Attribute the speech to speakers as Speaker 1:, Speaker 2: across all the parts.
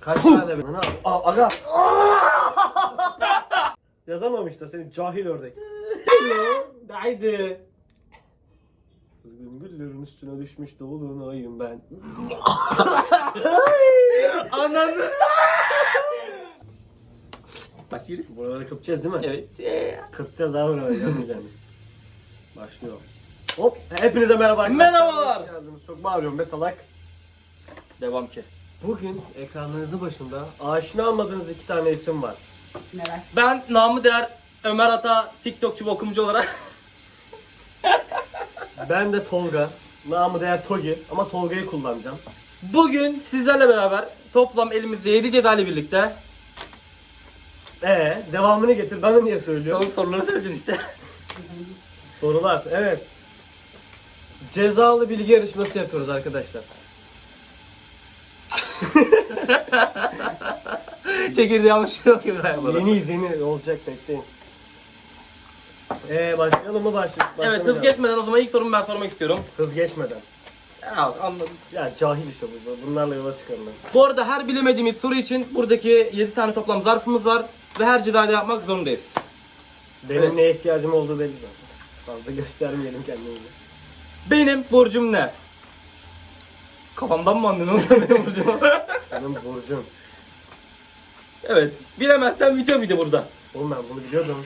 Speaker 1: Kaç tane? Ne abi? Aga. Yazamamış da seni cahil ördek. Haydi. Kızgın güllerin üstüne düşmüş dolunayım ben.
Speaker 2: Ananı. Başlıyoruz.
Speaker 1: Buraları kıpacağız değil mi?
Speaker 2: Evet.
Speaker 1: Kıpacağız abi buraları yapmayacağız. Başlıyor. Hop. Hepinize merhaba arkadaşlar.
Speaker 2: Merhabalar.
Speaker 1: Hoş geldiniz. Çok bağırıyorum be salak.
Speaker 2: Devam ki.
Speaker 1: Bugün ekranlarınızın başında aşina olmadığınız iki tane isim var.
Speaker 3: Neler?
Speaker 2: Ben namı değer Ömer Ata TikTokçu ve okumcu olarak
Speaker 1: Ben de Tolga. Namı değer Togi ama Tolga'yı kullanacağım.
Speaker 2: bugün sizlerle beraber toplam elimizde 7 ceza ile birlikte
Speaker 1: Devamını getir. Bana niye söylüyor?
Speaker 2: oğlum soruları söyleyeceksin işte.
Speaker 1: Sorular. Evet. Cezalı bilgi yarışması yapıyoruz arkadaşlar.
Speaker 2: Çekirdeği almış yok ki ben.
Speaker 1: Yeni olacak, bekleyin. Başlayalım mı
Speaker 2: Evet, hız geçmeden o zaman ilk sorumu ben sormak istiyorum.
Speaker 1: Hız geçmeden.
Speaker 2: Ya, anladım.
Speaker 1: Ya cahil işte bu. Bunlarla yola çıkarım ben.
Speaker 2: Bu arada her bilemediğimiz soru için buradaki 7 tane toplam zarfımız var ve her cezayı yapmak zorundayız.
Speaker 1: Benim
Speaker 2: Evet.
Speaker 1: neye ihtiyacım olduğu belli zaten. Fazla göstermeyelim kendimizi.
Speaker 2: Benim burcum ne? Kafamdan mı anladın oğlum benim burcumu?
Speaker 1: Senin burcun.
Speaker 2: Evet. Bilemezsen video burada.
Speaker 1: Oğlum ben bunu biliyordum.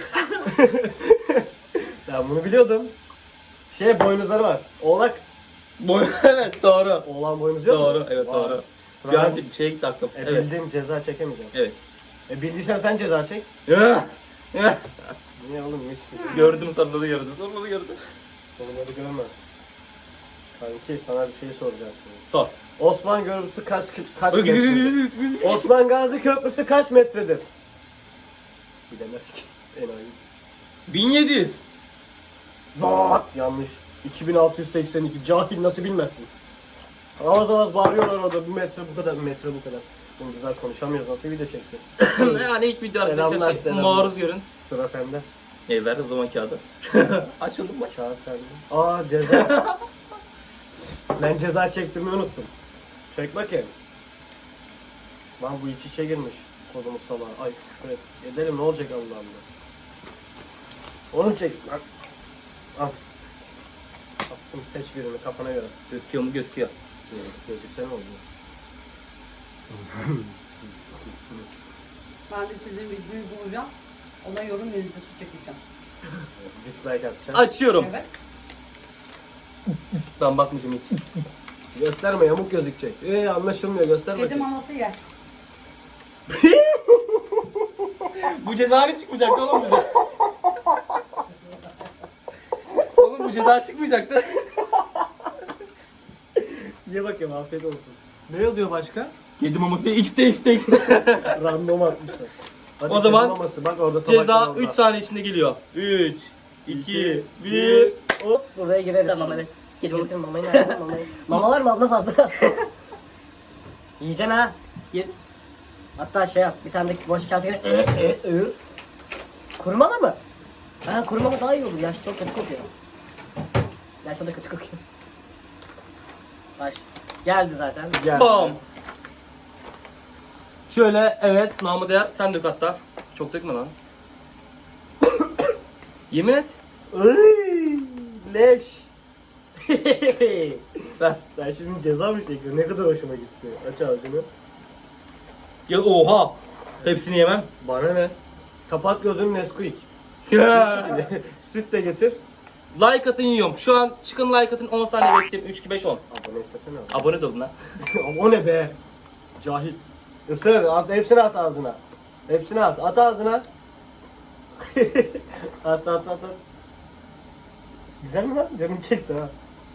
Speaker 1: Ben bunu biliyordum. Boynuzları var. Oğlak.
Speaker 2: Evet, doğru.
Speaker 1: Oğlan boynuzu yok mu?
Speaker 2: Doğru, evet,
Speaker 1: Vay.
Speaker 2: doğru.
Speaker 1: Sıra
Speaker 2: Bir an
Speaker 1: ben-
Speaker 2: bir şeye gitti aklım. Evet.
Speaker 1: Bildiğim ceza çekemeyeceğim.
Speaker 2: Evet.
Speaker 1: Bildiysen sen ceza çek.
Speaker 2: Ya. Ya.
Speaker 1: Niye oğlum mis gibi.
Speaker 2: Gördüm, soruları gördüm. Soruları gördüm.
Speaker 1: Soruları görme. Kanki sana bir şey soracağım şimdi.
Speaker 2: Sor.
Speaker 1: Osman Köprüsü kaç metredir? Osman Gazi Köprüsü kaç metredir? Bilemez ki. Enayi.
Speaker 2: 1700.
Speaker 1: Zat! Yanlış. 2682. Cahil nasıl bilmezsin? Avaz avaz bağırıyorlar orada. Bu metre bu kadar, bu metre bu kadar. Şimdi bizler konuşamıyoruz. Nasıl video çekeceğiz?
Speaker 2: Yani ilk video
Speaker 1: Selamlar,
Speaker 2: arkadaşlar
Speaker 1: selamlar.
Speaker 2: maruz görün.
Speaker 1: Sıra sende.
Speaker 2: Ver o zaman kağıdı. Açıldım mı?
Speaker 1: Kağıt sende. Ceza. Ben ceza çektirmeyi unuttum. Çek bakayım. Lan bu iç içe girmiş. Kodumuz salağı. Ay küfür et. Edelim ne olacak Allah Allah. Onu çek. Bak. Al. Attım, seç birini kafana göre.
Speaker 2: Gözüküyor mu? Gözüküyor.
Speaker 1: Gözükse ne oluyor?
Speaker 3: Ben de sizin videoyu bulacağım. Ona yorum yazısı çekeceğim.
Speaker 1: Dislike atacağım.
Speaker 2: Açıyorum.
Speaker 3: Evet.
Speaker 2: Ben bakmayacağım hiç.
Speaker 1: Gösterme, yamuk gözükecek. Anlaşılmıyor, göster
Speaker 3: Kedi
Speaker 1: bakayım.
Speaker 3: maması yer.
Speaker 2: Bu ceza ne çıkmayacaktı oğlum bize? Oğlum bu ceza çıkmayacaktı.
Speaker 1: Ye bakayım, afiyet olsun. Ne yazıyor başka?
Speaker 2: Kedi maması X'te.
Speaker 1: Random atmışlar. Hadi
Speaker 2: O zaman
Speaker 1: maması. Bak orada tabak
Speaker 2: Ceza
Speaker 1: var orada.
Speaker 2: 3 saniye içinde geliyor. 3, 2, 1.
Speaker 1: Hop.
Speaker 4: Buraya gireriz.
Speaker 5: Tamam
Speaker 4: şimdi.
Speaker 5: hadi. Kedi mamasının mamayı nerede? Mamayı. Mama var mı abla fazla? Yiyeceksin ha. Ye. Hatta şey yap. Bir tane de boş kaseye Kurumalı mı? Ha kurumalı daha iyi olur. Yaş çok kötü kokuyor. Yaş o da kötü kokuyor. Baş. Geldi zaten.
Speaker 1: Gel.
Speaker 2: Bam. Şöyle evet namı değer sen dök hatta. Çok dökme lan. Yemin et.
Speaker 1: Iy, leş.
Speaker 2: Ver.
Speaker 1: Ben şimdi ceza mı çekiyorum? Ne kadar hoşuma gitti. Aç ağzını.
Speaker 2: Ya oha. Hepsini yemem.
Speaker 1: Bana ne? Kapat gözünü Nesquik.
Speaker 2: Ya.
Speaker 1: Süt de getir.
Speaker 2: Like atın yiyorum. Şu an çıkın like atın 10 saniye bekleyin. 3, 2, 5, 10.
Speaker 1: Abone istesene.
Speaker 2: Abone de olun lan.
Speaker 1: O ne be? Cahil. Isır. Hepsini at ağzına. Hepsini at. At ağzına. at. Güzel mi lan? Canım çekti ha.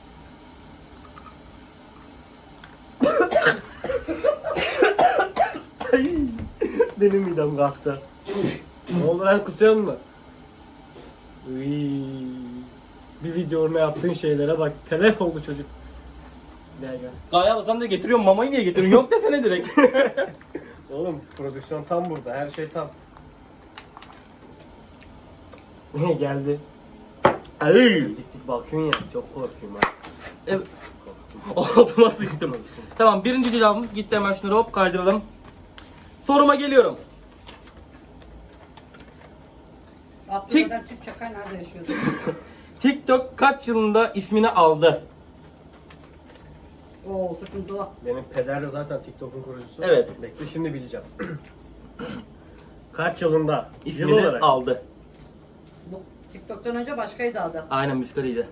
Speaker 1: Ay, benim midem kalktı. Ne oldu lan, kusuyor mu? Iy. Bir videonun yaptığın şeylere bak. Telef oldu çocuk. Gel.
Speaker 2: Gaya basan da getiriyorum mamayı niye getiriyorsun? Yok desene direkt.
Speaker 1: Oğlum prodüksiyon tam burada. Her şey tam. Geldi.
Speaker 2: Ay.
Speaker 1: Dik bakıyorsun ya. Çok korkuyorum ha.
Speaker 2: Evet.
Speaker 1: Korktum.
Speaker 2: Altıma sıçtım. Tamam birinci cevabımız gitti, hemen şunları hop kaydıralım. Soruma geliyorum.
Speaker 3: Abdülkadir Türk Çakay nerede yaşıyordu?
Speaker 2: TikTok kaç yılında ismini aldı?
Speaker 3: Oo sıkıntılı.
Speaker 1: Benim peder de zaten TikTok'un kurucusu.
Speaker 2: Evet.
Speaker 1: Bekle şimdi bileceğim. Kaç yılında? Yıl
Speaker 2: İsmini
Speaker 1: olarak.
Speaker 2: aldı.
Speaker 3: Bu TikTok'tan önce başkaydı adı.
Speaker 2: Aynen müskaliydi.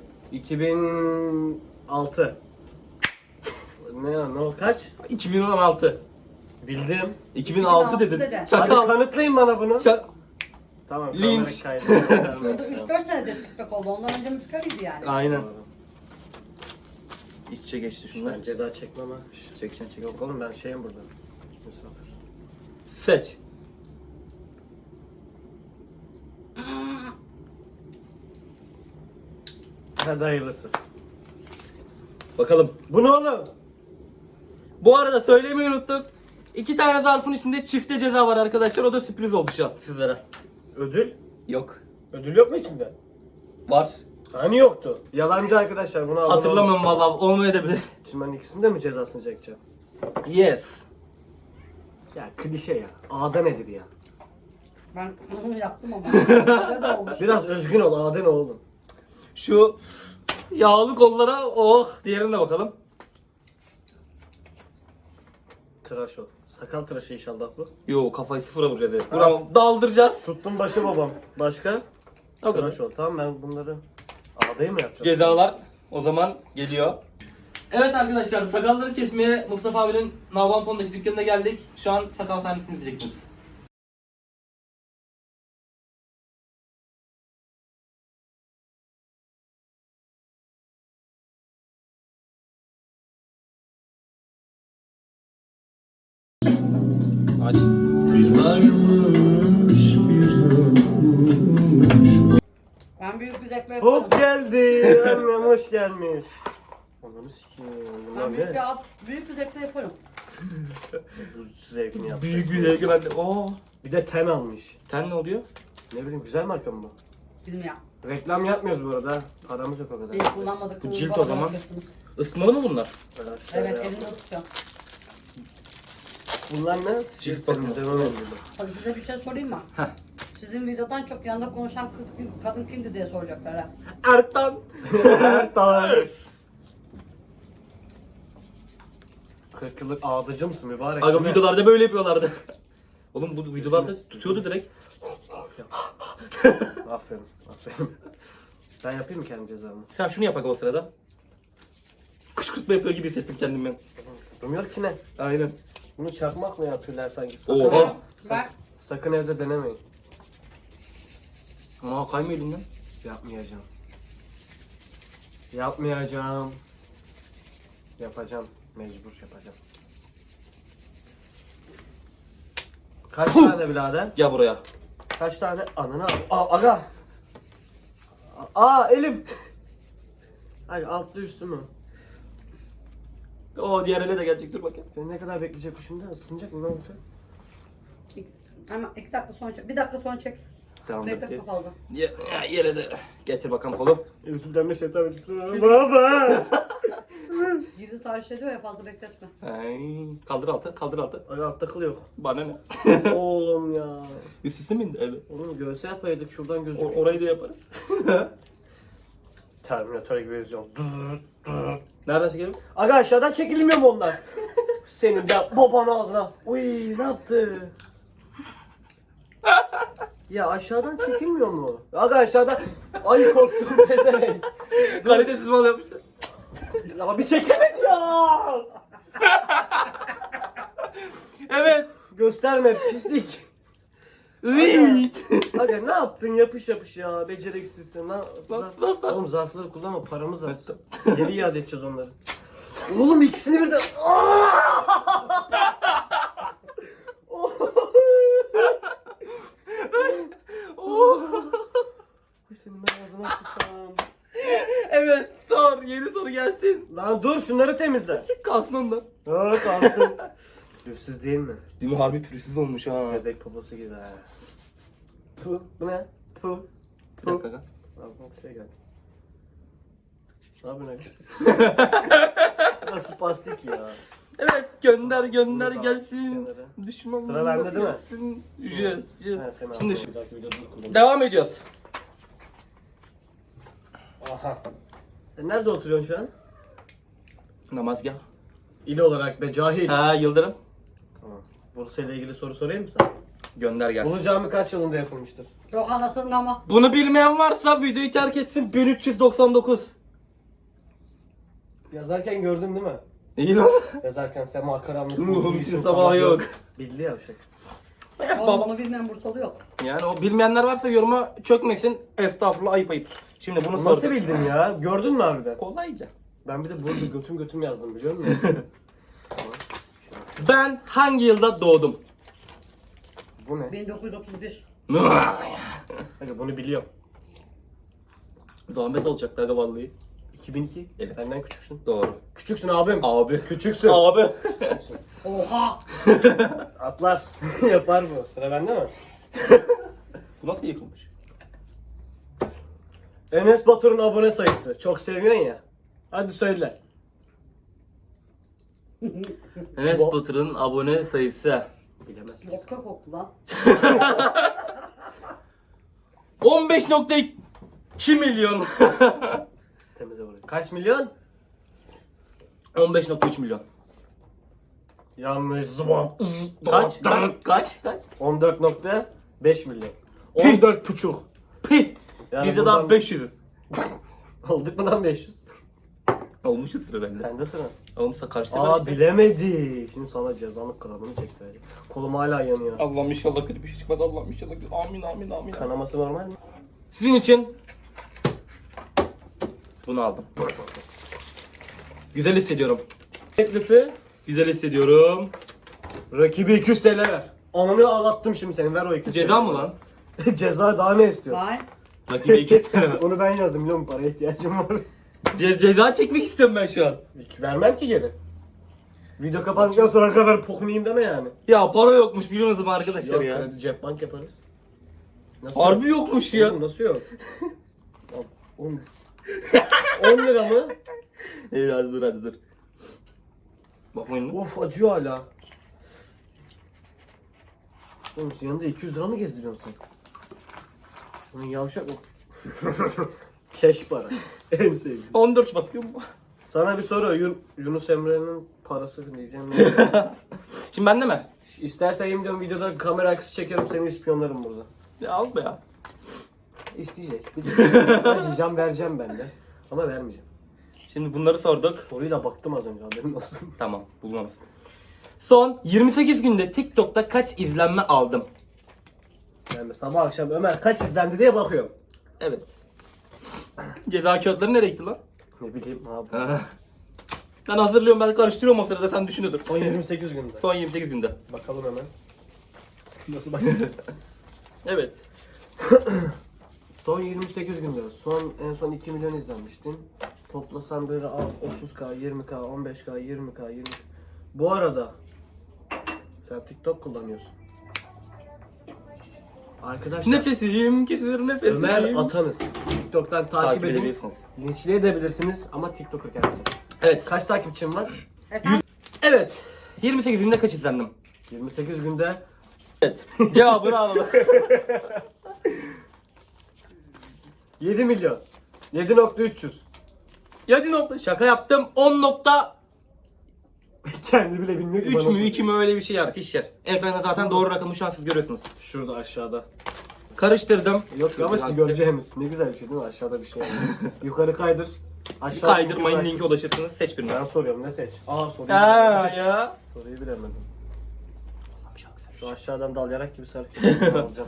Speaker 1: 2006. Ne o kaç?
Speaker 2: 2016.
Speaker 1: Bildim.
Speaker 2: 2006
Speaker 3: dedi.
Speaker 2: dedin.
Speaker 1: Hadi
Speaker 2: Çakal.
Speaker 1: kanıtlayın bana bunu. Tamam.
Speaker 2: Linç.
Speaker 1: kamera kaydı.
Speaker 3: Şurada 3-4 senedir TikTok oldu. Ondan önce müzikaliydi yani.
Speaker 2: Aynen. İç içe geçti şunlar.
Speaker 1: Ben ceza çekmem ha.
Speaker 2: Çekeceksin çek.
Speaker 1: Yok oğlum ben şeyim burada. Misafir.
Speaker 2: Seç.
Speaker 1: Hadi hayırlısı.
Speaker 2: Bakalım.
Speaker 1: Bu ne oğlum?
Speaker 2: Bu arada söylemeyi unuttuk. 2 tane zarfın içinde çifte ceza var arkadaşlar. O da sürpriz oldu şu an sizlere.
Speaker 1: Ödül?
Speaker 2: Yok.
Speaker 1: Ödül yok mu içinde?
Speaker 2: Var.
Speaker 1: Hani yoktu. Yalancı arkadaşlar bunu abone
Speaker 2: Hatırlamıyorum
Speaker 1: olun.
Speaker 2: vallahi. Olmayabilir.
Speaker 1: Şimdi ben ikisini de mi cezasını çekeceğim?
Speaker 2: Yes.
Speaker 1: Ya klişe ya. Ağda nedir ya?
Speaker 3: Ben onu yaptım ama. Öyle de olmuş.
Speaker 1: Biraz özgün ol. Ağda ne oğlum?
Speaker 2: Şu yağlı kollara oh diğerine bakalım.
Speaker 1: Tıraş ol. Sakal tıraşı inşallah bu.
Speaker 2: Yo kafayı sıfıra vuracağız. Bravo. Daldıracağız.
Speaker 1: Tuttum başı babam. Başka?
Speaker 2: O kadar.
Speaker 1: Tıraş ol. Tamam ben bunları ağdayı mı yapacağız?
Speaker 2: Cezalar o zaman geliyor. Evet arkadaşlar sakalları kesmeye Mustafa abinin Nalbanton'daki dükkanına geldik. Şu an sakal sahnesini izleyeceksiniz. Aç.
Speaker 3: Ben büyük bir zevkle yaparım.
Speaker 1: Hop geldi. Annem hoş gelmiş. Ananı sikeyim. Bunlar
Speaker 3: Ben
Speaker 1: ne?
Speaker 3: büyük bir zevkle yaparım.
Speaker 1: Bu zevkini yaptı.
Speaker 2: Büyük bir zevki bende. Oo.
Speaker 1: Bir de ten almış.
Speaker 2: Ten ne oluyor?
Speaker 1: Ne bileyim güzel marka mı bu?
Speaker 3: Bilmiyorum.
Speaker 1: Reklam yapmıyoruz bu arada. Paramız yok o kadar.
Speaker 3: Benim kullanmadık.
Speaker 2: Bu cilt o zaman. Isıtmalı mı bunlar?
Speaker 3: Evet elimde tutacağım.
Speaker 1: Bunlar ne?
Speaker 2: Cilt bakımı.
Speaker 1: temizleme mendili.
Speaker 3: Hadi size bir şey sorayım mı?
Speaker 2: Heh.
Speaker 3: Sizin videodan çok yanında konuşan kadın kimdi diye soracaklar ha.
Speaker 2: Ertan.
Speaker 1: Tamam. 40 yıllık ağdacı mısın mübarek?
Speaker 2: Aga
Speaker 1: değil mi?
Speaker 2: videolarda böyle yapıyorlardı. Oğlum bu videolarda tutuyordu direkt.
Speaker 1: Aferin, aferin. Ben yapayım mı kendi cezamı?
Speaker 2: Sen şunu yapak o sırada. Kışkırtma yapıyor gibi hissettim kendimi ben.
Speaker 1: Bilmiyorum ki ne?
Speaker 2: Aynen.
Speaker 1: Bunu çakmak mı yapıyorlar sanki?
Speaker 2: Oha.
Speaker 3: Ver.
Speaker 1: Sakın evde denemeyin.
Speaker 2: Aa kaymıyor elinden.
Speaker 1: Yapmayacağım. Yapmayacağım. Yapacağım. Mecbur yapacağım. Kaç tane birader?
Speaker 2: Gel buraya.
Speaker 1: Kaç tane? Ananı al. Aa aga. Aa elim. Hayır altlı üstü mü?
Speaker 2: O diğer ele de gelecek dur bakayım.
Speaker 1: Ne kadar bekleyecek bu şimdi? Isınacak mı? Ne olacak?
Speaker 3: Ama 2 dakika sonra çek. 1 dakika sonra çek.
Speaker 2: Tamam
Speaker 3: Bekle
Speaker 2: dur.
Speaker 3: fazla.
Speaker 2: Yere de getir bakalım kolu.
Speaker 1: Yüzümden bir şeytan baba.
Speaker 3: Cildi tahriş ediyor ya fazla bekletme.
Speaker 2: Ay, kaldır altı, kaldır altı.
Speaker 1: Ay altta kıl yok.
Speaker 2: Bana ne?
Speaker 1: Oğlum ya.
Speaker 2: Üstüsü mü indi? Evet.
Speaker 1: Oğlum göğse yapaydık şuradan gözüküyor.
Speaker 2: Orayı da yaparız.
Speaker 1: Terminator gibi yazıyorum.
Speaker 2: Nereden çekelim?
Speaker 1: Aga aşağıdan çekilmiyor mu onlar? Senin de baban ağzına. Uy ne yaptı? Ya aşağıdan çekilmiyor mu? Aga aşağıdan. Ay korktum pezevenk.
Speaker 2: Kalitesiz mal yapmışlar.
Speaker 1: Ya bir çekemedi ya.
Speaker 2: Evet.
Speaker 1: Gösterme pislik.
Speaker 2: Üiiit.
Speaker 1: Aga ne yaptın yapış yapış ya beceriksizsin.
Speaker 2: Zarflar.
Speaker 1: Oğlum zarfları kullanma paramız az. Geri iade edeceğiz onları. Oğlum ikisini birden. Senin ben ağzına sıçacağım.
Speaker 2: Evet sor. Yeni soru gelsin.
Speaker 1: Lan dur şunları temizle.
Speaker 2: Kalsın ondan.
Speaker 1: Ha kalsın. Yüzsüz değil mi?
Speaker 2: Değil mi? Harbi pürüzsüz olmuş ha.
Speaker 1: Bebek poposu gibi ha. Puh bu ne? Puh.
Speaker 2: Bir dakika aga.
Speaker 1: Ağzıma bir şey geldi. Ne yapıyorsun aga? Nasıl pastik ya?
Speaker 2: Evet gönder gönder
Speaker 1: Bunu da
Speaker 2: gelsin.
Speaker 1: kenara.
Speaker 2: Düşman
Speaker 1: Sıra bende değil mi?
Speaker 2: gelsin. Yüzeceğiz.
Speaker 1: Ha, sen
Speaker 2: Şimdi
Speaker 1: al. Bir dahaki videoda kullan.
Speaker 2: devam ediyoruz.
Speaker 1: Aha. Nerede oturuyorsun şu an?
Speaker 2: Namazgah.
Speaker 1: İl olarak be cahil.
Speaker 2: Ha Yıldırım.
Speaker 1: Tamam. Bursa ile ilgili soru sorayım mı sana?
Speaker 2: Gönder gelsin.
Speaker 1: Ulu Cami kaç yılında yapılmıştır?
Speaker 3: Yok anasının ama.
Speaker 2: Bunu bilmeyen varsa videoyu terk etsin. 1399.
Speaker 1: Yazarken gördün değil mi?
Speaker 2: İyi lan.
Speaker 1: Yazarken sema karanlık.
Speaker 2: Ruhum
Speaker 1: bilsin
Speaker 2: için sabah yok.
Speaker 1: Bildi yavşak.
Speaker 3: Oğlum onu bilmeyen Bursalı yok.
Speaker 2: Yani o bilmeyenler varsa yoruma çökmesin. Estağfurullah ayıp ayıp. Şimdi bunu
Speaker 1: Nasıl
Speaker 2: sordum.
Speaker 1: bildin ya? Gördün mü harbiden?
Speaker 2: Kolayca.
Speaker 1: Ben bir de burada götüm yazdım biliyor musun?
Speaker 2: Ben hangi yılda doğdum?
Speaker 1: Bu ne?
Speaker 3: 1931.
Speaker 1: Hadi bunu biliyorum.
Speaker 2: Zahmet olacaktı aga vallahi.
Speaker 1: 2002.
Speaker 2: Evet.
Speaker 1: Benden küçüksün.
Speaker 2: Doğru.
Speaker 1: Küçüksün abim.
Speaker 2: Abi.
Speaker 1: Küçüksün.
Speaker 2: Abi.
Speaker 3: Oha.
Speaker 1: Atlar. Yapar bu. Sıra bende mi?
Speaker 2: Bu nasıl yıkılmış?
Speaker 1: Enes Batur'un abone sayısı. Çok seviyorsun ya. Hadi söyle.
Speaker 2: Enes Batur'un abone sayısı.
Speaker 1: Bilemezsin.
Speaker 3: Vodka koktu lan.
Speaker 2: 15.2 milyon.
Speaker 1: Temize vuruyor. Kaç milyon?
Speaker 2: 15.3 milyon.
Speaker 1: Yanlış zıbap.
Speaker 2: Kaç? Kaç?
Speaker 1: 14.5 milyon. 14 buçuk.
Speaker 2: Pih.
Speaker 1: Yani
Speaker 2: Bizde
Speaker 1: buradan-
Speaker 2: daha 500'üz.
Speaker 1: Olduk mu lan 500?
Speaker 2: Olmuşuz sıra bende.
Speaker 1: Sende sıra.
Speaker 2: Olmuşsa karşıda
Speaker 1: Aa
Speaker 2: işte.
Speaker 1: bilemedi. Şimdi sana cezalık kralını çekti. Kolum hala yanıyor.
Speaker 2: Allah'ım inşallah kötü bir şey çıkmaz. Allah'ım inşallah kötü. Amin amin amin.
Speaker 1: Kanaması normal mi?
Speaker 2: Sizin için bunu aldım. Güzel hissediyorum.
Speaker 1: Teklifi
Speaker 2: Güzel hissediyorum.
Speaker 1: rakibi 200 TL ver. Ananı ağlattım şimdi seni. Ver o 200
Speaker 2: Ceza
Speaker 1: TL.
Speaker 2: mı lan?
Speaker 1: Ceza daha ne istiyor?
Speaker 3: Vay.
Speaker 2: Rakibe 2 tane.
Speaker 1: Onu ben yazdım biliyor musun? Paraya ihtiyacım var.
Speaker 2: Ceza çekmek istiyorum ben şu an.
Speaker 1: Vermem ki geri. Video kapandıktan sonra kadar pokunayım deme yani.
Speaker 2: Ya para yokmuş biliyor musunuz arkadaşlar
Speaker 1: Yok,
Speaker 2: ya.
Speaker 1: kredi cep bank yaparız. Nasıl
Speaker 2: Harbi
Speaker 1: yok?
Speaker 2: yokmuş ya.
Speaker 1: Oğlum nasıl yok? 10 lira mı?
Speaker 2: Evet hadi dur hadi dur. Bakmayın lan.
Speaker 1: Of acıyor hala. Oğlum senin yanında 200 lira mı gezdiriyorsun sen? Lan yavşak o. Keş para. En sevdiğim.
Speaker 2: 14 Şubat diyor mu?
Speaker 1: Sana bir soru. Yunus Emre'nin parası diyeceğim.
Speaker 2: Şimdi bende mi?
Speaker 1: İstersen yemin ediyorum videoda kamera arkası çekerim seni ispiyonlarım burada.
Speaker 2: Ya al be ya.
Speaker 1: İsteyecek. Acıyacağım vereceğim ben de. Ama vermeyeceğim.
Speaker 2: Şimdi bunları sorduk.
Speaker 1: Soruyu da baktım az önce haberin olsun.
Speaker 2: Tamam bulmamız. Son 28 günde TikTok'ta kaç izlenme aldım?
Speaker 1: Ben de sabah akşam Ömer kaç izlendi diye bakıyorum.
Speaker 2: Evet. Ceza kağıtları nereye gitti lan?
Speaker 1: Ne bileyim abi.
Speaker 2: Ben hazırlıyorum ben karıştırıyorum o sırada sen düşünüyordun.
Speaker 1: Son 28 günde.
Speaker 2: Son 28 günde.
Speaker 1: Bakalım hemen. Nasıl bakacağız?
Speaker 2: Evet.
Speaker 1: Son 28 günde. En son 2 milyon izlenmiştin. Toplasan böyle al 30k, 20k, 15k, 20k, 20k. Bu arada sen TikTok kullanıyorsun. Arkadaşlar
Speaker 2: Nefesim kesilir nefesim.
Speaker 1: Ömer Atanız. TikTok'tan takip edin.
Speaker 2: edebilirsiniz.
Speaker 1: Linçleyebilirsiniz ama TikToker kendisi.
Speaker 2: Evet.
Speaker 1: Kaç takipçim var?
Speaker 3: Efendim?
Speaker 2: Evet. 28 günde kaç izlendim?
Speaker 1: 28 günde
Speaker 2: Evet. Cevabını alalım.
Speaker 1: 7 milyon. 7.300.
Speaker 2: 7 nokta. Şaka yaptım. 10.3
Speaker 1: Kendi bile bilmiyor ki bana.
Speaker 2: mü 2 mi öyle bir şey arkadaşlar. Ekranda zaten doğru rakamı şu an siz görüyorsunuz.
Speaker 1: Şurada aşağıda.
Speaker 2: Karıştırdım.
Speaker 1: Yok ama siz göreceğiniz. Ne güzel bir şey değil mi? Aşağıda bir şey. Yukarı kaydır. Aşağı
Speaker 2: Kaydırmayın linke ulaşırsınız. Seç birini.
Speaker 1: Ben soruyorum ne seç? Aa soruyu
Speaker 2: Aa
Speaker 1: bilemedim.
Speaker 2: ya.
Speaker 1: Soruyu bilemedim. Şu aşağıdan dal yarak gibi sarı alacağım.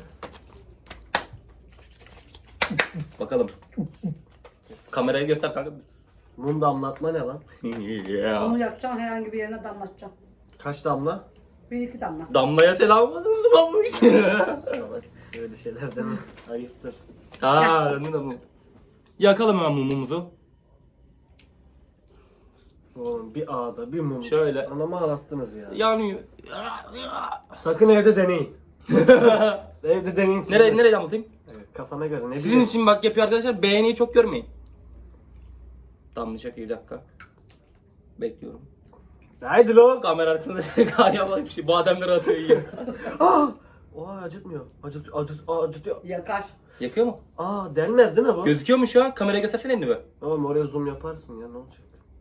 Speaker 2: Bakalım. Kamerayı göster kanka.
Speaker 1: Mum damlatma ne lan?
Speaker 3: Onu yakacağım herhangi bir yerine damlatacağım.
Speaker 1: Kaç damla?
Speaker 3: 1-2 damla.
Speaker 2: Damlaya selam olsun sıvamış.
Speaker 1: Salak. Öyle şeyler deme. Ayıptır.
Speaker 2: Aa ne de bu. Yakalım hemen mumumuzu.
Speaker 1: Oğlum bir ağda bir mum.
Speaker 2: Şöyle.
Speaker 1: Anamı ağlattınız ya.
Speaker 2: Yanıyor.
Speaker 1: Sakın evde deneyin. Evde deneyin. siz de.
Speaker 2: Nereye damlatayım?
Speaker 1: Evet, kafana göre ne
Speaker 2: Sizin
Speaker 1: bileyim.
Speaker 2: için bak yapıyor arkadaşlar. Beğeniyi çok görmeyin. Damlayacak iyi bir dakika. Bekliyorum.
Speaker 1: Haydi lo.
Speaker 2: Kamera arkasında kar yapmak bir şey. Bademleri atıyor yiyor.
Speaker 1: Oha acıtmıyor. Acıtıyor.
Speaker 3: Yakar.
Speaker 2: Yakıyor mu?
Speaker 1: Delmez değil mi bu?
Speaker 2: Gözüküyor mu şu an? Kameraya göstersene elini be.
Speaker 1: Oğlum oraya zoom yaparsın ya ne olacak?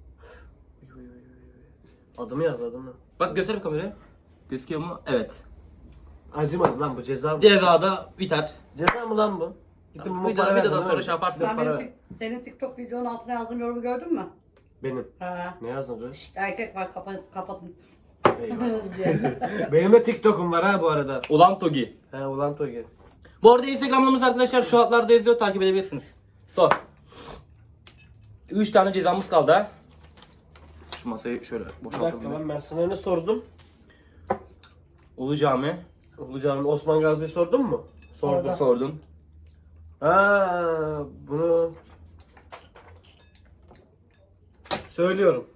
Speaker 1: Adımı yaz adımı.
Speaker 2: Bak göster bir kameraya. Gözüküyor mu? Evet.
Speaker 1: Acımadı lan bu ceza mı?
Speaker 2: Cezada biter.
Speaker 1: Ceza mı lan bu? Gittim bu
Speaker 2: Bir daha
Speaker 1: para
Speaker 2: videodan
Speaker 1: verdim,
Speaker 2: sonra
Speaker 1: değil
Speaker 2: şey
Speaker 1: mi?
Speaker 2: yaparsın.
Speaker 3: Sen
Speaker 1: para
Speaker 3: benim senin TikTok videonun altına yazdığım yorumu gördün mü?
Speaker 1: Benim.
Speaker 3: Ha.
Speaker 1: Ne yazdın diyor?
Speaker 3: İşte erkek var kapatın.
Speaker 1: Eyvallah.
Speaker 3: diye.
Speaker 1: Benim de TikTok'um var ha bu arada.
Speaker 2: Ulan Togi.
Speaker 1: He ulan Togi.
Speaker 2: Bu arada Instagram'ımız arkadaşlar şu altlarda yazıyor. Takip edebilirsiniz. Son. 3 tane cezamız kaldı ha. Şu masayı şöyle
Speaker 1: Bir dakika
Speaker 2: boşaltalım.
Speaker 1: lan ben sana ne sordum?
Speaker 2: Ulu Cami.
Speaker 1: Olacağım Osman Gazi'yi sordun mu? Sordum.
Speaker 3: Orada.
Speaker 2: Sordum.
Speaker 1: Bunu söylüyorum.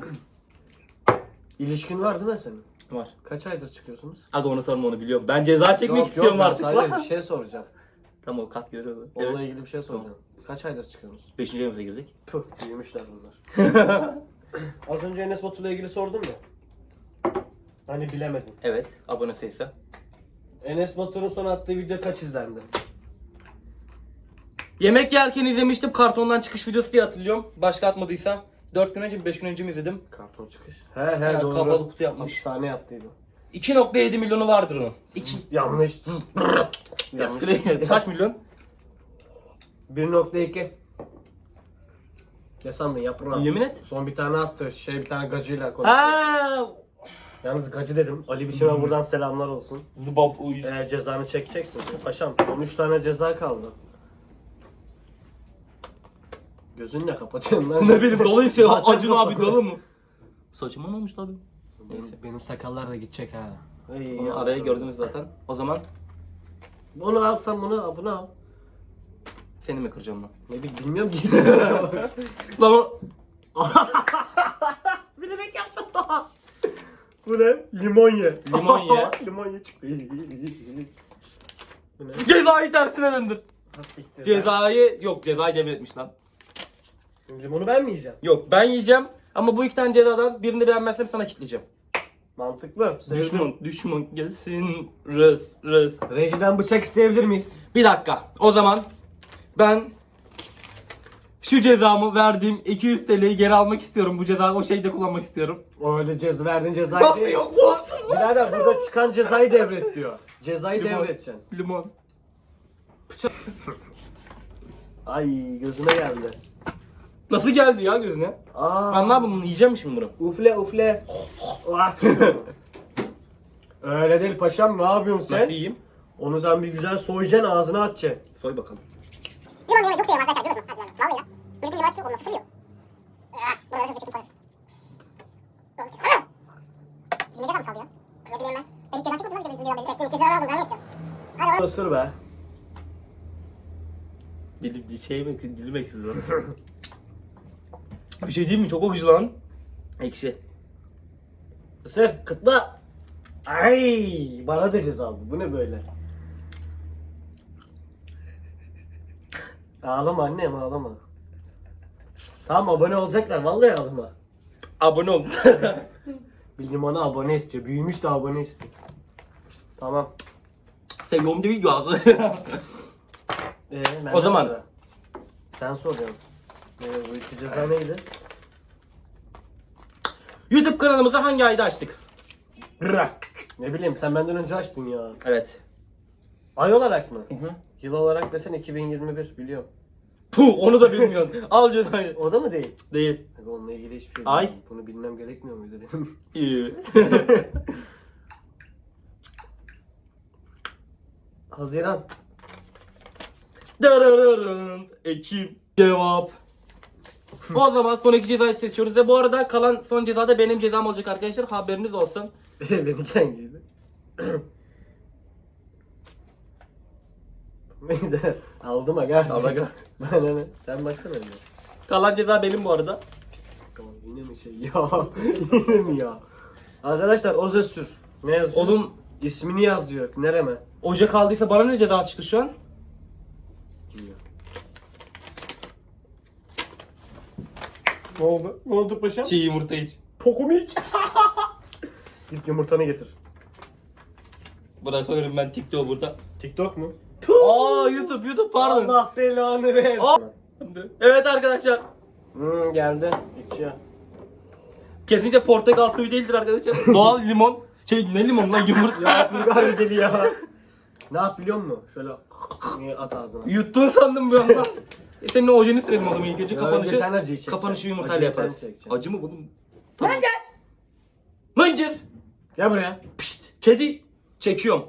Speaker 1: İlişkin var değil mi senin?
Speaker 2: Var.
Speaker 1: Kaç aydır çıkıyorsunuz?
Speaker 2: Aga onu sorma onu biliyorum. Ben ceza çekmek istiyorum
Speaker 1: ben
Speaker 2: artık
Speaker 1: sadece
Speaker 2: lan.
Speaker 1: bir şey soracağım.
Speaker 2: Tamam o kat görüyordu.
Speaker 1: Onunla
Speaker 2: Evet.
Speaker 1: ilgili bir şey soracağım. Kaç aydır çıkıyorsunuz?
Speaker 2: 5. ayımıza girdik.
Speaker 1: Puh, büyümüşler bunlar. Az önce Enes Batur'la ilgili sordum ya. Hani bilemedin.
Speaker 2: Evet. Abone sayısı.
Speaker 1: Enes Batur'un son attığı video kaç izlendi?
Speaker 2: Yemek yerken izlemiştim. Kartondan çıkış videosu diye hatırlıyorum. Başka atmadıysa. 4 gün önce mi 5 gün önce mi izledim?
Speaker 1: Karton çıkış. He
Speaker 2: Ya,
Speaker 1: doğru.
Speaker 2: kapalı kutu yapmış.
Speaker 1: Hapishane yaptıydı.
Speaker 2: 2.7 milyonu vardır onun.
Speaker 1: Yanlış. Yanlış.
Speaker 2: Kaç milyon?
Speaker 1: 1.2. Ne sandın yaprağım?
Speaker 2: Yemin et.
Speaker 1: Son bir tane attı. Bir tane gacıyla konuştu.
Speaker 2: Ha.
Speaker 1: Yalnız gacı dedim. Ali Biçim'e buradan selamlar olsun.
Speaker 2: Zıbap uy.
Speaker 1: Cezanı çekeceksin. Paşam 13 tane ceza kaldı. Gözünle kapatıyorsun lan.
Speaker 2: Ne bileyim doluysa Acun abi dolu mu? Saçıma ne olmuş lan benim? Neyse.
Speaker 1: Benim sakallar da gidecek ha.
Speaker 2: Onu araya gördünüz zaten. O zaman
Speaker 1: Bunu alsam bunu al.
Speaker 2: seni mi kıracağım lan?
Speaker 1: Ne bilmiyorum ki.
Speaker 2: Lan o...
Speaker 1: Bilerek yaptım daha. Bu ne? Limon ye.
Speaker 2: Limon ye.
Speaker 1: Limon ye çıktı. Bu ne?
Speaker 2: Cezayı tersine döndür.
Speaker 1: Ha, siktir.
Speaker 2: Cezayı devretmiş lan.
Speaker 1: Limonu ben mi yiyeceğim?
Speaker 2: Yok ben yiyeceğim ama bu 2 tane cezadan birini beğenmezsem sana kitleyeceğim.
Speaker 1: Mantıklı.
Speaker 2: Düşman gelsin. Rız.
Speaker 1: Rejiden bıçak isteyebilir miyiz?
Speaker 2: Bir dakika. O zaman ben şu cezamı verdiğim 200 TL'yi geri almak istiyorum. Bu cezayı o şeyde kullanmak istiyorum.
Speaker 1: Öyle verdiğin cezayı
Speaker 2: Nasıl
Speaker 1: değil.
Speaker 2: yok bu olsun?
Speaker 1: Birader burada çıkan cezayı devret diyor. Cezayı
Speaker 2: Limon.
Speaker 1: devredeceksin.
Speaker 2: Limon.
Speaker 1: Ay gözüme geldi.
Speaker 2: Nasıl geldi ya gözüne? Ben ne yapayım bunu yiyeceğim mi şimdi bunu?
Speaker 1: Ufle. Öyle değil paşam ne yapıyorsun
Speaker 2: Nasıl
Speaker 1: sen?
Speaker 2: yiyeyim?
Speaker 1: Onu sen bir güzel soyacaksın ağzına atacaksın.
Speaker 2: Soy bakalım.
Speaker 4: Limon yemeyi çok seviyorum arkadaşlar biliyor musun? Hadi vallahi ya. Milletin limon çok olmaz sırıyor. Buraları hızlı çekip koyarız. Bizim ne ceza mı kaldı ya? Ne bileyim ben. Ben hiç ceza çıkmadı lan bir de beni çektim. 200 lira aldım ben ne istiyorum? Hadi lan.
Speaker 1: Isır be.
Speaker 2: Dilim ekşidi lan. Bir şey değil mi? Çok akıcı lan. Ekşi.
Speaker 1: Isır kıtla. Ay bana da ceza bu. Bu ne böyle? Ağlama annem ağlama. Tamam abone olacaklar vallahi ağlama.
Speaker 2: Abone ol.
Speaker 1: Bir limona abone istiyor. Büyümüş de abone istiyor. Tamam.
Speaker 2: Seviyorum değil mi?
Speaker 1: Ben
Speaker 2: O zaman.
Speaker 1: sıra. Sen soruyorsun. Bu iki ceza neydi?
Speaker 2: YouTube kanalımızı hangi ayda açtık?
Speaker 1: Ne bileyim sen benden önce açtın ya.
Speaker 2: Evet.
Speaker 1: Ay olarak mı?
Speaker 2: Hı.
Speaker 1: Yıl olarak desen 2021 biliyorum.
Speaker 2: Puh onu da bilmiyorsun. Al cezayı.
Speaker 1: O da mı değil?
Speaker 2: Değil.
Speaker 1: Abi onunla ilgili hiçbir şey
Speaker 2: Ay.
Speaker 1: bilmiyorum. Bunu bilmem gerekmiyor muydu benim?
Speaker 2: İyi.
Speaker 1: Haziran.
Speaker 2: Darararın. Ekim. Cevap. O zaman son 2 cezayı seçiyoruz ve bu arada kalan son cezada benim cezam olacak arkadaşlar. Haberiniz olsun.
Speaker 1: Benimki hangiydi? Neydi? Aldım aga.
Speaker 2: Al aga.
Speaker 1: Bana ne? Sen baksana önce.
Speaker 2: Kalan ceza benim bu arada.
Speaker 1: Yine mi şey ya? Yine mi ya? Arkadaşlar Ozesür. Ne yazıyor?
Speaker 2: Oğlum
Speaker 1: İsmini yaz diyor. Nereme?
Speaker 2: Ocak aldıysa bana ne ceza çıktı şu an?
Speaker 1: Bilmiyorum. Ne oldu? Ne oldu paşam?
Speaker 2: Çiğ yumurta iç.
Speaker 1: Pokumu iç. Git yumurtanı getir.
Speaker 2: Bırakıyorum ben TikTok'u burada.
Speaker 1: TikTok mu?
Speaker 2: Aa YouTube pardon.
Speaker 1: Allah belanı ver.
Speaker 2: Aa. Evet arkadaşlar.
Speaker 1: Geldi. İçiyor.
Speaker 2: Kesinlikle portakal suyu değildir arkadaşlar. Doğal limon. Ne limon lan yumurta.
Speaker 1: Ya Turgay deli ya. Ne yap biliyor musun? Şöyle at ağzına.
Speaker 2: Yuttun sandım bir anda. Senin o ojeni sürelim o zaman ilk önce
Speaker 1: Ya önce sen
Speaker 2: kapanışı.
Speaker 1: acıyı çekeceksin.
Speaker 2: Kapanışı yumurtayla
Speaker 1: Acıyı sen
Speaker 2: yaparız.
Speaker 1: çekeceksin.
Speaker 2: Acı mı bunun?
Speaker 3: Bence.
Speaker 2: Mıncır.
Speaker 1: Gel buraya.
Speaker 2: Pişt. Kedi. Çekiyorum.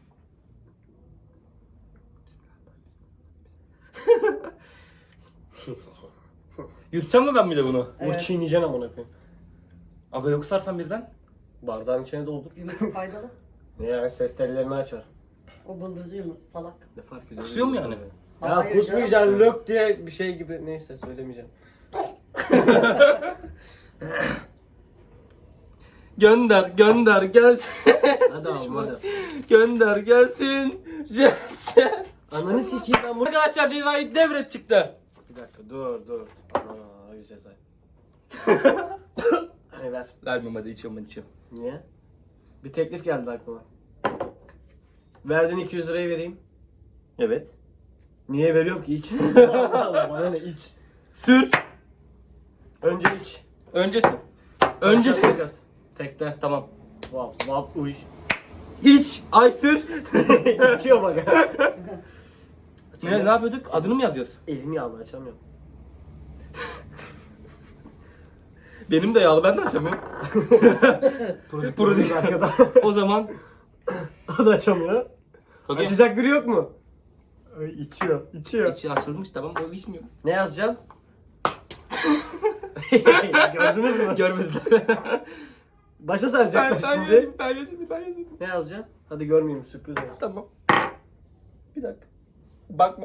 Speaker 2: Yutacağım mı ben bir de bunu?
Speaker 1: Bu çiğneyeceksin amına koyayım.
Speaker 2: Aga yok sarsan birden.
Speaker 1: Bardağın içine doldur.
Speaker 3: Yumurta faydalı.
Speaker 1: Ne ya ses tellerini açar.
Speaker 3: O bıldırcı yumurta salak.
Speaker 1: Ne fark ediyor?
Speaker 2: Kusuyor mu yani?
Speaker 1: Ya
Speaker 3: Hayır
Speaker 1: kusmayacaksın lök diye bir şey gibi neyse söylemeyeceğim.
Speaker 2: Gönder gelsin.
Speaker 1: Hadi oğlum hadi.
Speaker 2: Gönder gelsin. Yes.
Speaker 1: Ananı sikeyim ben bunu.
Speaker 2: Arkadaşlar cezayı devret çıktı.
Speaker 1: Bir dakika dur. Ana ay cezayı. Hani ver.
Speaker 2: Vermem hadi içiyorum.
Speaker 1: Niye? Bir teklif geldi aklıma. Verdiğin 200 lirayı vereyim.
Speaker 2: Evet.
Speaker 1: Niye veriyorum ki iç? Allah Allah bana ne iç.
Speaker 2: Sür.
Speaker 1: Önce iç.
Speaker 2: Öncesi. Önce.
Speaker 1: Takas. Tekte.
Speaker 2: Tamam.
Speaker 1: Vap uy.
Speaker 2: İç. Ay sür.
Speaker 1: İçiyor bak.
Speaker 2: Ne yapıyorduk? Adını mı yazıyoruz?
Speaker 1: Elimi yağlı açamıyorum.
Speaker 2: Benim de yağlı ben de açamıyorum.
Speaker 1: Prodüktör arkada.
Speaker 2: O zaman.
Speaker 1: O da açamıyor.
Speaker 2: Okay.
Speaker 1: Açacak biri yok mu? Ay içiyor.
Speaker 2: İçi açılmış tamam o içmiyor.
Speaker 1: Ne yazacağım? Gördünüz mü?
Speaker 2: Görmediler.
Speaker 1: Başa saracaklar şimdi.
Speaker 2: Ben yazayım.
Speaker 1: Ne yazacaksın? Hadi görmeyeyim sürpriz olsun.
Speaker 2: Tamam. Bir dakika. Bakma.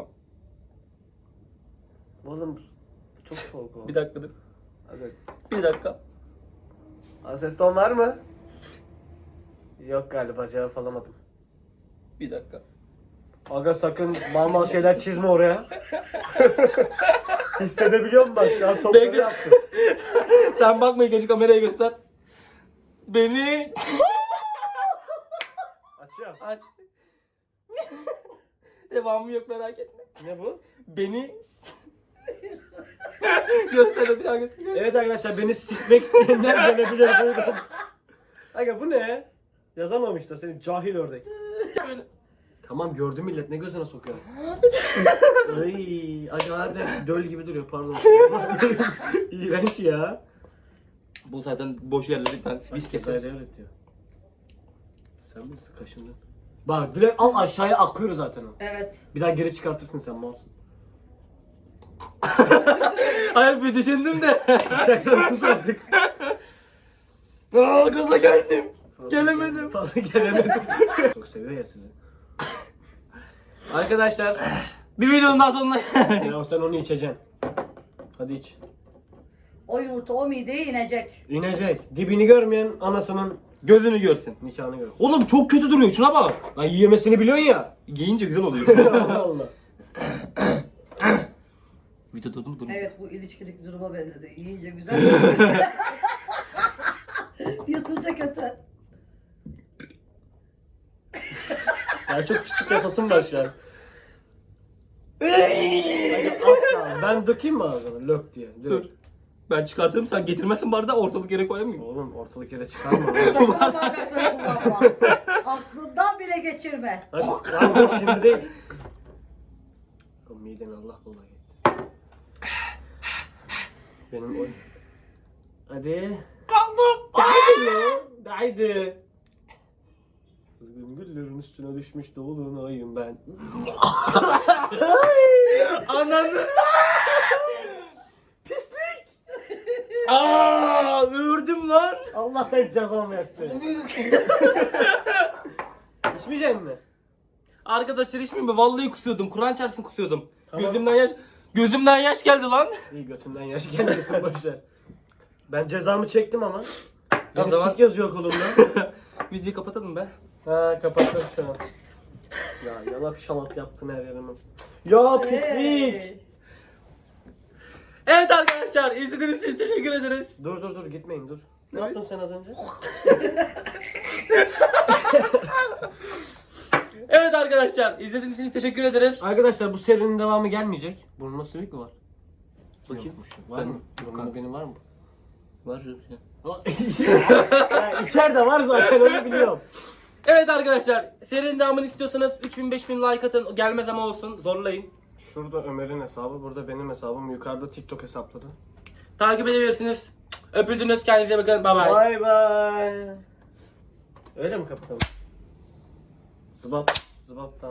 Speaker 1: Oğlum çok soğuk oldu.
Speaker 2: Bir dakika dur.
Speaker 1: Hadi.
Speaker 2: Bir dakika.
Speaker 1: Ses ton var mı? Yok galiba cevap alamadım.
Speaker 2: Bir dakika.
Speaker 1: Aga sakın mal şeyler çizme oraya. Hissedebiliyor musun bak? Ya topları
Speaker 2: Bekle.
Speaker 1: yaptım.
Speaker 2: Sen bakma ilk önce kameraya göster. Beni
Speaker 1: Açıyorum.
Speaker 2: aç. Devamı yok merak etme.
Speaker 1: Ne bu?
Speaker 2: Beni göster bir daha göster.
Speaker 1: Evet arkadaşlar beni sikmek isteyenler gelebilir buyurun. Aga bu ne? Yazamamış da seni cahil ördek.
Speaker 2: Böyle.
Speaker 1: Tamam gördü millet ne gözüne sokuyor. Ay aga harbiden döl gibi duruyor pardon. İğrenç ya.
Speaker 2: Bu zaten boş yerleri ben biz
Speaker 1: Cezayı
Speaker 2: keseriz.
Speaker 1: devlet diyor. Sen misin kaşındın? Bak direkt al aşağıya akıyor zaten o.
Speaker 3: Evet.
Speaker 1: Bir daha geri çıkartırsın sen malsın.
Speaker 2: Hayır bir düşündüm de.
Speaker 1: Bıraksana kız artık.
Speaker 2: Aa gaza geldim. Gelemedim.
Speaker 1: Fazla gelemedim. Çok seviyor ya sizi. Arkadaşlar.
Speaker 2: Bir videonun daha sonuna.
Speaker 1: Ya sen onu içeceksin. Hadi iç.
Speaker 3: O yumurta o mideye inecek.
Speaker 1: İnecek. Dibini görmeyen anasının
Speaker 2: Gözünü görsün.
Speaker 1: nikahını gör.
Speaker 2: Oğlum çok kötü duruyor şuna bak.
Speaker 1: Lan yiyemesini biliyorsun ya.
Speaker 2: Giyince güzel oluyor.
Speaker 1: Allah Allah.
Speaker 2: Videoda mı duruyor?
Speaker 3: Evet bu ilişkideki duruma benzedi. İyice güzel. Yutulca kötü.
Speaker 1: Ya çok pislik yapasım var şu an. Hadi asla. Ben dökeyim mi ağzına? Lök diye.
Speaker 2: Dur.
Speaker 1: Direkt.
Speaker 2: Ben çıkartırım sen getirmezsin bardağı ortalık yere koyamıyorum.
Speaker 1: Oğlum ortalık yere çıkarma.
Speaker 3: Sakın hakikatini kullanma. Aklından bile geçirme.
Speaker 1: Hadi lan dur şimdi değil. O midemi Allah bullah gitti. Benim o... Hadi.
Speaker 2: Kaldım.
Speaker 1: Haydi lan. Haydi. Kızgın güllerin üstüne düşmüş dolunayım ben.
Speaker 2: Ananı. Pislik. Aa, ördüm lan.
Speaker 1: Allah sen cezan versin. İçmeyecek mi?
Speaker 2: Arkadaşlar hiç mi? Vallahi kusuyordum. Kur'an çarpsın kusuyordum.
Speaker 1: Tamam.
Speaker 2: Gözümden yaş geldi lan.
Speaker 1: İyi götünden yaş gelmesin boşver. Ben cezamı çektim ama. Beni
Speaker 2: zaman-
Speaker 1: sik yazıyor kolumda.
Speaker 2: Müziği kapatalım be.
Speaker 1: Ha kapattım şu an. Ya yalap şalap yaptın her yerime. Ya pislik.
Speaker 3: Hey.
Speaker 2: Evet arkadaşlar izlediğiniz için teşekkür ederiz.
Speaker 1: Dur gitmeyin dur. Ne yaptın sen az önce?
Speaker 2: Evet arkadaşlar izlediğiniz için teşekkür ederiz.
Speaker 1: Arkadaşlar bu serinin devamı gelmeyecek. Burnuma sivillik mi var?
Speaker 2: Bakayım.
Speaker 1: Yokmuş. Var mı? Burnumda benim var mı?
Speaker 2: Var ya.
Speaker 1: Ya içeride var zaten onu biliyorum.
Speaker 2: Evet arkadaşlar serinin devamını istiyorsanız 3000-5000 like atın. Gelmez ama olsun zorlayın.
Speaker 1: Şurada Ömer'in hesabı, burada benim hesabım, yukarıda TikTok hesapları.
Speaker 2: Takip edebilirsiniz. Öpüldünüz, kendinize bakın. Bye bye.
Speaker 1: Bye bye. Öyle mi kapatalım? Zıbap. Zıbap tamam.